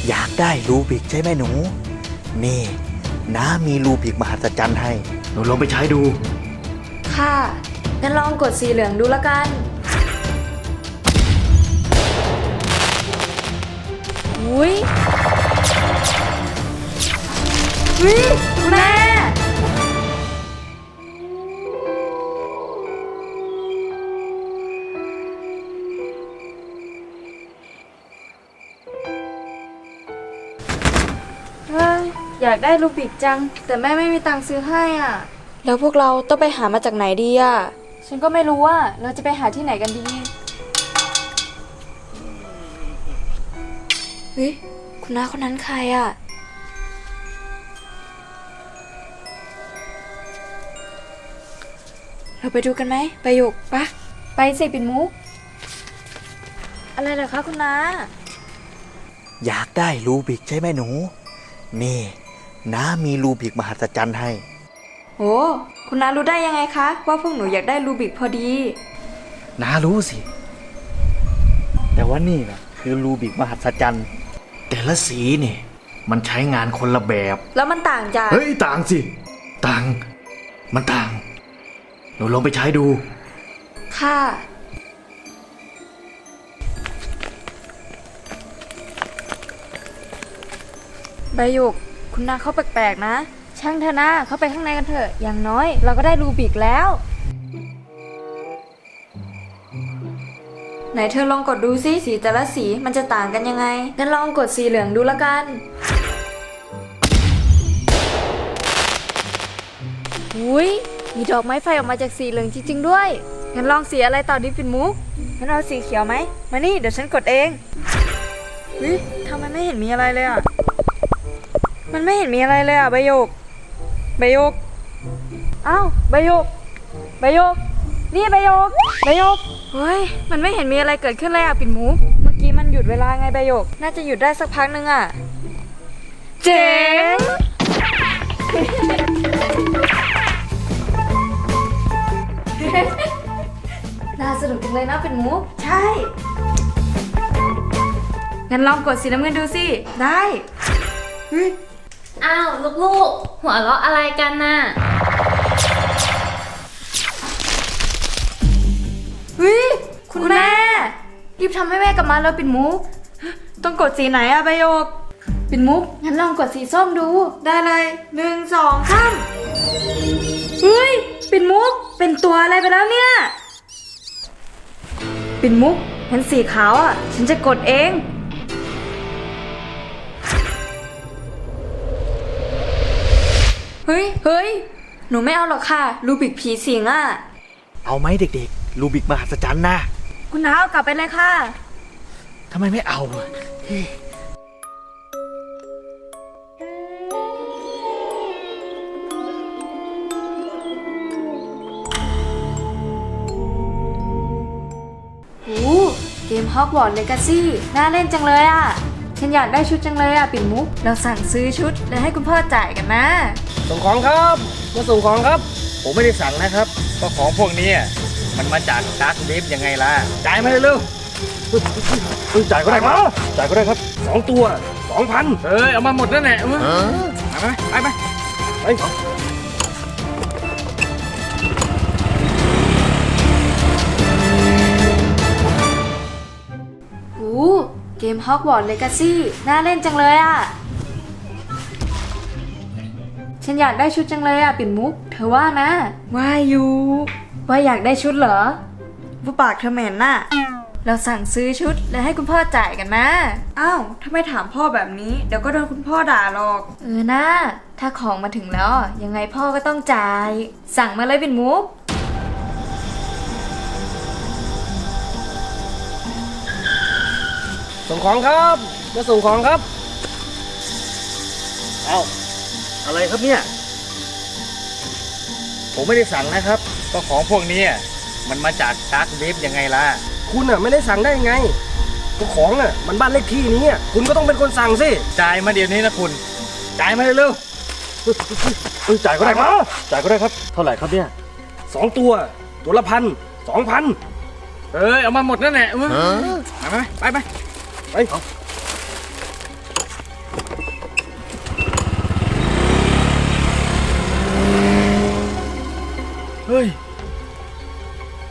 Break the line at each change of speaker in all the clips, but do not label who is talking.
อยากได้รูบิกใช่ไหมหนูนี่น้ามีรูบิกมหัศจรรย์ให้หนูลองไปใช้ดู
ค่ะงั้นลองกดสีเหลืองดูละกันอุ้ยคุณแม่อยากได้รูบิกจังแต่แม่ไม่มีตังค์ซื้อให้อ่ะแล้วพวกเราต้องไปหามาจากไหนดีอ่ะฉันก็ไม่รู้ว่าเราจะไปหาที่ไหนกันดีเฮ้ยคุณน้าคนนั้นใครอ่ะเราไปดูกันไหมไปหยกปะไปสิปิ่นมุกอะไรเหรอคะคุณน้า
อยากได้รูบิกใช่ไหมหนูนี่น้ามีรูบิกมหัศจรรย์ให้
โอ้คุณน้ารู้ได้ยังไงคะว่าพวกหนูอยากได้รูบิกพอดี
น้ารู้สิแต่ว่านี่นะคือรูบิกมหัศจรรย์แต่ละสีนี่มันใช้งานคนละแบบ
แล้วมันต่างจาก
เฮ้ยต่างสิต่างมันต่างหนูลองไปใช้ดู
ค่ะใบหยกคุณนาเขาแปลกๆนะช่างเถอะนะเข้าไปข้างในกันเถอะอย่างน้อยเราก็ได้รูบิกแล้วไหนเธอลองกดดูสิสีแต่ละสีมันจะต่างกันยังไงงั้นลองกดสีเหลืองดูละกันอุ้ยมีดอกไม้ไฟออกมาจากสีเหลืองจริงๆด้วยงั้นลองสีอะไรต่อดิปิ่นมุกงั้นเอาสีเขียวไหมมานี่เดี๋ยวฉันกดเองเฮ้ยทำไมไม่เห็นมีอะไรเลยอ่ะมันไม่เห็นมีอะไรเลยอ่ะใบหยกอ้าวใบหยกนี่ใบหยกเฮ้ยมันไม่เห็นมีอะไรเกิดขึ้นเลยอ่ะปิ่นมุกเมื่อกี้มันหยุดเวลาไงใบหยกน่าจะหยุดได้สักพักนึงอ่ะเจ๋ง น่าสนุกจังเลยนะปิ่นมุกใช่งั้นลองกดสีน้ำเงินดูสิได้
อ้าวลูกๆหัวเราะอะไรกันน่ะ
เฮ้ยคุณแม่รีบทำให้แม่กลับมาแล้วปิ่นมุกต้องกดสีไหนอะใบหยกปิ่นมุกงั้นลองกดสีส้มดูได้เลย1 2 3เฮ้ยปิ่นมุกเป็นตัวอะไรไปแล้วเนี่ยปิ่นมุกเห็นสีขาวอะฉันจะกดเองเฮ้ยหนูไม่เอาหรอกค่ะรูบิกผีสิงอะ
เอาไหมเด็กๆรูบิกมหัศจรรย์นะ
คุณน้าเอากลับไปเลยค่ะ
ทำไมไม่เอา
เกมฮอกวอตส์เลกาซี่น่าเล่นจังเลยอ่ะฉันอยากได้ชุดจังเลยอ่ะปิ่นมุกเราสั่งซื้อชุดแล้วให้คุณพ่อจ่ายกันนะ
ส่งของครับมาส่งของครับ
ผมไม่ได้สั่งนะครับก็ของพวกนี้มันมาจากดาร์กเว็บยังไงล่ะจ่ายมาเร็วจ่ายก็ได้ครับจ่ายก็ได้ครับ
2 ตัว 2,000
เอามาหมดนั่นแหละไป
เกมฮอกวอตส์เลกาซี่น่าเล่นจังเลยอ่ะฉันอยากได้ชุดจังเลยอ่ะปิ่นมุกเธอว่านะว่าอยู่ว่าอยากได้ชุดเหรอผู้ปากเธอเหม็นน่ะเราสั่งซื้อชุดแล้วให้คุณพ่อจ่ายกันนะอ้าวถ้าไม่ถามพ่อแบบนี้เดี๋ยวก็โดนคุณพ่อด่าหรอกนะถ้าของมาถึงแล้วยังไงพ่อก็ต้องจ่ายสั่งมาเลยปิ่นมุก
ส่งของครับมาส่งของครับ
อะไรครับเนี่ยผมไม่ได้สั่งนะครับก็ของพวกนี้มันมาจากดาร์กเว็บยังไงล่ะ
คุณไม่ได้สั่งได้ไงก็ของมันบ้านเลขที่นี้คุณก็ต้องเป็นคนสั่งสิ
จ่ายมาเดี๋ยวนี้นะคุณจ่ายมาเร็วจ่ายก็ได้ครับจ่ายก็ได้ครับเท่าไหร่ครับเนี่ย
2 ตัวละ1,000 2,000
เอามาหมดนั่นแหละไป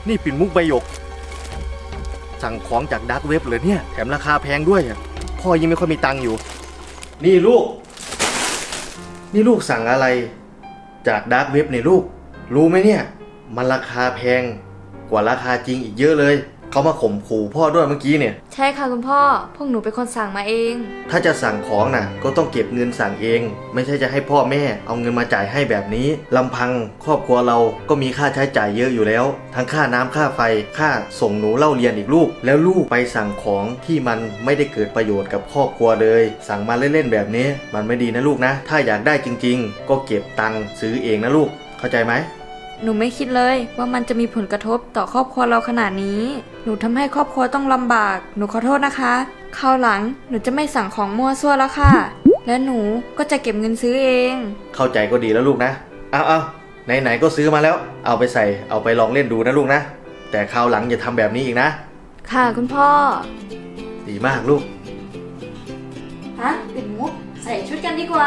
นี่ปิ่นมุกใบหยก สั่งของจากดาร์กเว็บเลยเนี่ยแถมราคาแพงด้วยอะพ่อยังไม่ค่อยมีตังค์อยู่ นี่ลูก นี่ลูกสั่งอะไรจากดาร์กเว็บเนี่ยลูก รู้ไหมเนี่ย มันราคาแพงกว่าราคาจริงอีกเยอะเลย เขามาข่มขู่พ่อด้วยเมื่อกี้เนี่ย
ใช่ค่ะคุณพ่อ พวกหนูเป็นคนสั่งมาเอง
ถ้าจะสั่งของน่ะก็ต้องเก็บเงินสั่งเอง ไม่ใช่จะให้พ่อแม่เอาเงินมาจ่ายให้แบบนี้ลำพังครอบครัวเราก็มีค่าใช้จ่ายเยอะอยู่แล้ว ทั้งค่าน้ำค่าไฟค่าส่งหนูเล่าเรียนอีกลูก แล้วลูกไปสั่งของที่มันไม่ได้เกิดประโยชน์กับครอบครัวเลย สั่งมาเล่นๆแบบนี้มันไม่ดีนะลูกนะ ถ้าอยากได้จริงๆ ก็เก็บตังค์ซื้อเองนะลูกเข้าใจไหม
หนูไม่คิดเลยว่ามันจะมีผลกระทบต่อครอบครัวเราขนาดนี้ หนูทำให้ครอบครัวต้องลำบาก หนูขอโทษนะคะคราวหลังหนูจะไม่สั่งของมั่วซั่วแล้วค่ะ และหนูก็จะเก็บเงินซื้อเอง
เข้าใจก็ดีแล้วลูกนะเอาไหนๆก็ซื้อมาแล้ว เอาไปใส่เอาไปลองเล่นดูนะลูกนะ แต่คราวหลังอย่าทำแบบนี้อีกนะ
ค่ะคุณพ่อ
ดีมากลูก
ฮะปิ่นมุกใส่ชุดกันดีกว่า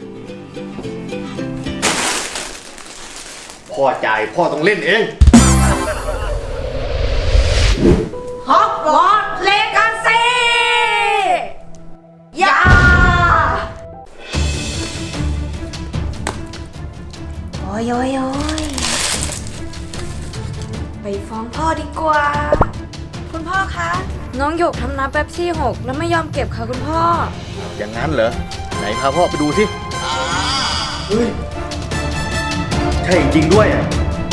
พ่อจ่ายพ่อต้องเล่นเอง
ฮอกวอตส์เลกาซียาโอ้ยไปฟ้องพ่อดีกว่า คุณพ่อคะ น้องหยกทำน้ำเป๊ปซี่หกแล้วไม่ยอมเก็บค่ะคุณพ่อ
อย่างนั้นเหรอ ไหนพาพ่อไปดูสิเฮ้ยใช่จริงด้วยอ่ะ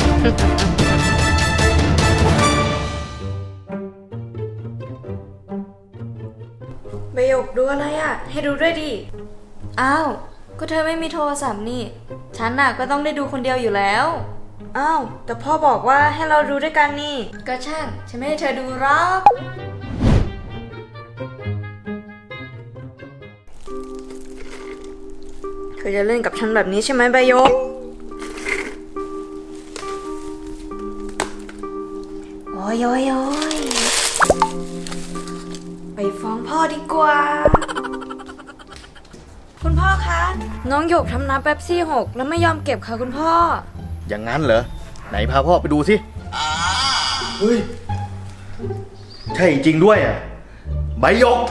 ใบหยกดูอะไรอ่ะ ให้ดูด้วยดิ อ้าว ก็เธอไม่มีโทรศัพท์นี่ ฉันน่ะก็ต้องได้ดูคนเดียวอยู่แล้ว อ้าว แต่พ่อบอกว่าให้เราดูด้วยกันนี่ ก็ช่าง ฉันไม่ให้เธอดูหรอก เธอจะเล่นกับฉันแบบนี้ใช่ไหมใบหยก โอ้ยไปฟ้องพ่อดีกว่า คุณพ่อคะ น้องหยกทำน้ำเป๊ปซี่หกแล้วไม่ยอมเก็บค่ะคุณพ่อ
อย่างนั้นเหรอ ไหนพาพ่อไปดูสิเฮ้ยใช่จริงด้วยอ่ะใบหยก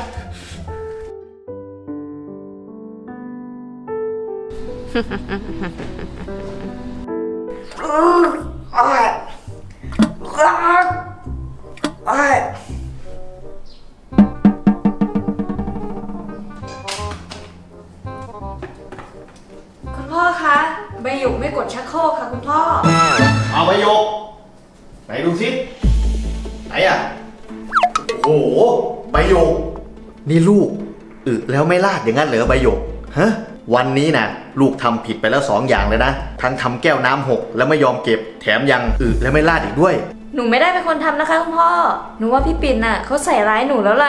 คุณพ่อคะ ใบหยกไม่กดชักโครกค่ะคุณพ่อ
เอาใบหยก ไหนดูสิไหนอ่ะ โอ้โหใบหยก นี่ลูกแล้วไม่ลาดอย่างนั้นเหรอใบหยกฮะวันนี้นะลูกทำผิดไปแล้ว2 อย่างเลยนะ ทั้งทำแก้วน้ำหกแล้วไม่ยอมเก็บ แถมยังแล้วไม่ลาดอีกด้วย
หนูไม่ได้เป็นคนทำนะคะคุณพ่อ หนูว่าพี่ปิ่นน่ะเขาใส่ร้ายหนูแล้วแหละ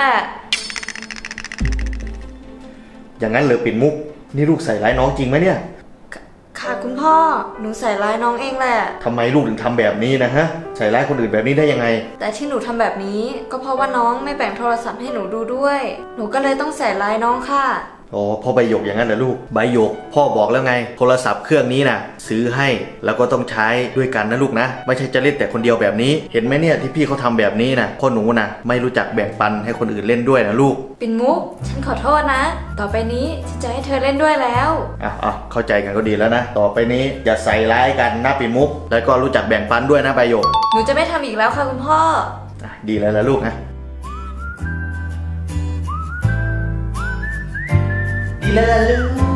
อย่างนั้นเหรอปิ่นมุก นี่ลูกใส่ร้ายน้องจริงไหมเนี่ย
ค่ะคุณพ่อ หนูใส่ร้ายน้องเองแหละ
ทำไมลูกถึงทำแบบนี้นะฮะ ใส่ร้ายคนอื่นแบบนี้ได้ยังไง
แต่ที่หนูทำแบบนี้ก็เพราะว่าน้องไม่แบ่งโทรศัพท์ให้หนูดูด้วย หนูก็เลยต้องใส่ร้ายน้องค่ะ
อ๋อพ่อใบหยกอย่างนั้นเหรอลูกใบหยกพ่อบอกแล้วไงโทรศัพท์เครื่องนี้นะซื้อให้แล้วก็ต้องใช้ด้วยกันนะลูกนะไม่ใช่จะเล่นแต่คนเดียวแบบนี้เห็นไหมเนี่ยที่พี่เขาทำแบบนี้นะพ่อหนูนะไม่รู้จักแบ่งปันให้คนอื่นเล่นด้วยนะลูก
ปิ่นมุก ฉันขอโทษนะ ต่อไปนี้ฉันจะให้เธอเล่นด้วยแล้ว
เข้าใจกันก็ดีแล้วนะต่อไปนี้อย่าใส่ร้ายกันนะปิ่นมุกแล้วก็รู้จักแบ่งปันด้วยนะใบหยก
หนูจะไม่ทำอีกแล้วค่ะคุณพ่อ
ดีแล้วละลูกนะดีแล้วละลูก